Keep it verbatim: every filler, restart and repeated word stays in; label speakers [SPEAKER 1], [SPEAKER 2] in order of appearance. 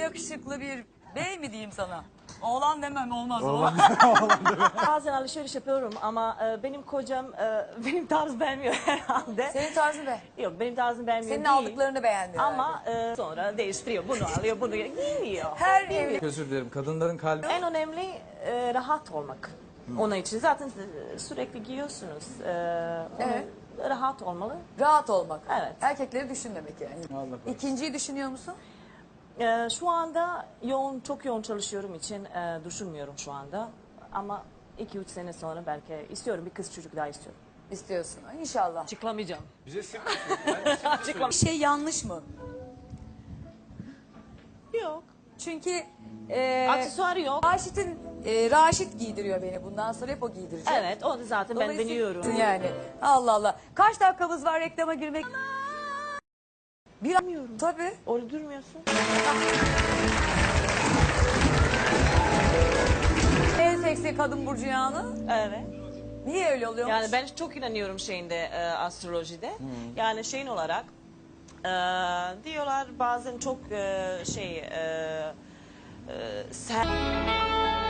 [SPEAKER 1] yakışıklı bir bey mi diyeyim sana? Oğlan demem olmaz.
[SPEAKER 2] Oğlan.
[SPEAKER 3] Bazen alışveriş yapıyorum ama e, benim kocam e, benim tarzı beğenmiyor herhalde.
[SPEAKER 1] Senin tarzın be.
[SPEAKER 3] Yok benim tarzım beğenmiyor
[SPEAKER 1] Senin
[SPEAKER 3] değil.
[SPEAKER 1] aldıklarını beğendi.
[SPEAKER 3] Ama e, sonra değiştiriyor. Bunu alıyor, bunu giymiyor.
[SPEAKER 1] Her evli.
[SPEAKER 2] Özür dilerim. Kadınların kalbi...
[SPEAKER 3] En önemli e, rahat olmak. Onun için zaten sürekli giyiyorsunuz. E, onun
[SPEAKER 1] Evet.
[SPEAKER 3] Rahat olmalı.
[SPEAKER 1] Rahat olmak.
[SPEAKER 3] Evet.
[SPEAKER 1] Erkekleri düşünmemek yani.
[SPEAKER 2] Allah korusun.
[SPEAKER 1] İkinciyi düşünüyor musun?
[SPEAKER 3] E, şu anda yoğun, çok yoğun çalışıyorum için e, düşünmüyorum şu anda. Ama iki üç sene sonra belki istiyorum. Bir kız çocuk daha istiyorum.
[SPEAKER 1] İstiyorsun. İnşallah.
[SPEAKER 3] Açıklamayacağım.
[SPEAKER 2] Bize sır
[SPEAKER 1] Bir şey yanlış mı?
[SPEAKER 3] Yok.
[SPEAKER 1] Çünkü e,
[SPEAKER 3] Aksesuar yok.
[SPEAKER 1] Raşit'in e, Raşit giydiriyor beni. Bundan sonra hep o giydirecek.
[SPEAKER 3] Evet, onu zaten ben
[SPEAKER 1] Dolayısıyla-
[SPEAKER 3] deniyorum.
[SPEAKER 1] Yani. Allah Allah. Kaç dakikamız var reklama girmek? Bir
[SPEAKER 3] Bilmiyorum.
[SPEAKER 1] Tabii.
[SPEAKER 3] Orada durmuyorsun.
[SPEAKER 1] En seksi kadın burcu yağını.
[SPEAKER 3] Evet.
[SPEAKER 1] Niye öyle oluyormuş?
[SPEAKER 3] Yani ben çok inanıyorum şeyinde e, astrolojide. Yani şeyin olarak e, diyorlar bazen çok e, şey e, e, ser